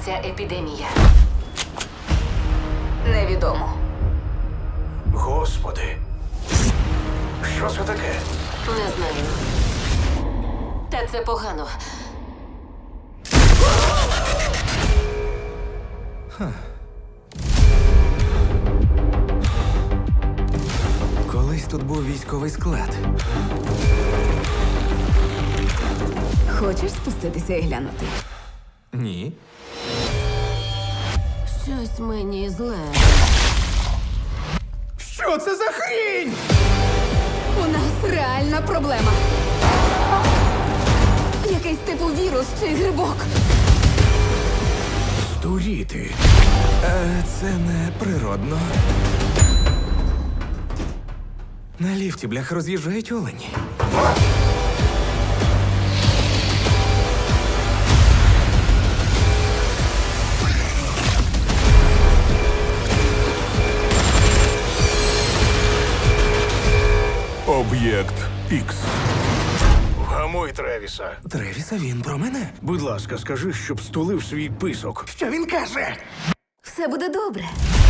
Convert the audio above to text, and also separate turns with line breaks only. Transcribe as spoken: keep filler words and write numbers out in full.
почалася епідемія. Невідомо.
Господи. Що це таке?
Не знаю. Та це погано.
Колись тут був військовий склад.
Хочеш спуститися і глянути?
Ні.
Щось мені зле.
Що це за хрінь?
У нас реальна проблема. Якийсь типу вірус чи грибок.
Здуріти. Е, це не природно. На ліфті, блях, роз'їжджають олені.
Об'єкт Ікс.
Вгамуй Тревіса.
Тревіса, він про мене?
Будь ласка, скажи, щоб стулив свій писок.
Що він каже?
Все буде добре.